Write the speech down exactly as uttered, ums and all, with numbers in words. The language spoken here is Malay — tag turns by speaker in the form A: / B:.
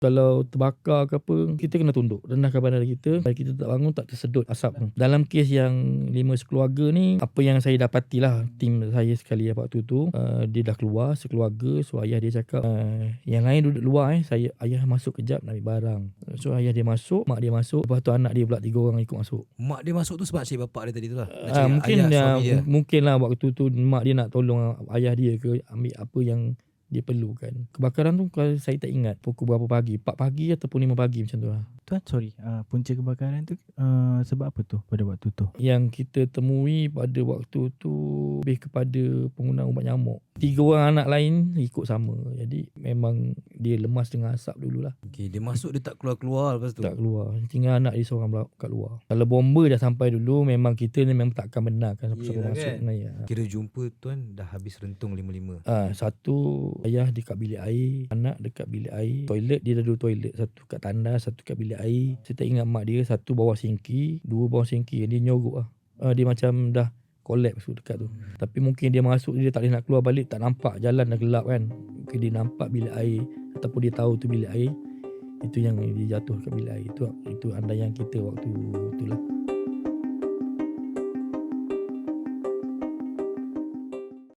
A: Kalau terbakar ke apa, kita kena tunduk, rendahkan badan kita supaya kita tak bangun, tak tersedut asap tu. Dalam kes yang lima sekeluarga ni, apa yang saya dapatilah, tim saya sekali waktu tu, uh, dia dah keluar sekeluarga. So ayah dia cakap, uh, yang lain duduk luar eh, saya ayah masuk kejap nak ambil barang. So ayah dia masuk, mak dia masuk, lepas tu anak dia pula tiga orang ikut masuk.
B: Mak dia masuk tu sebab cik bapak dia tadi tu lah. Nak
A: Uh,
B: cari
A: mungkin
B: ayah
A: uh,
B: suami dia.
A: mungkin lah waktu tu mak dia nak tolong ayah dia ke ambil apa yang dia perlukan. Kebakaran tu kalau saya tak ingat pukul berapa pagi, empat pagi ataupun lima pagi macam tu lah.
C: Tuan, sorry, uh, punca kebakaran tu uh, sebab apa tu pada waktu tu?
A: Yang kita temui pada waktu tu lebih kepada penggunaan ubat nyamuk. Tiga orang anak lain ikut sama. Jadi memang dia lemas dengan asap dululah.
B: Okay, dia masuk dia tak keluar-keluar lepas tu.
A: Tak keluar. Tinggal anak dia seorang kat luar. Kalau bomba dah sampai dulu, memang kita ni memang takkan benarkan siapa-siapa
B: Yelah
A: masuk.
B: kan?
A: Nah, ya.
B: Kira jumpa tuan dah habis rentung lima-lima.
A: Ah, satu ayah dekat bilik air, anak dekat bilik air, toilet dia ada dua toilet, satu kat tandas, satu kat bilik air. Saya tak ingat mak dia, satu bawah sinki, dua bawah sinki. Dia nyorok lah. Ah, dia macam dah collapse tu dekat tu. Hmm. Tapi mungkin dia masuk, dia tak boleh nak keluar balik, tak nampak jalan dah gelap kan. Mungkin dia nampak bilik air ataupun dia tahu tu bilik air. Itu yang dia jatuh kat bilik air. Itu itu andaian kita waktu itulah.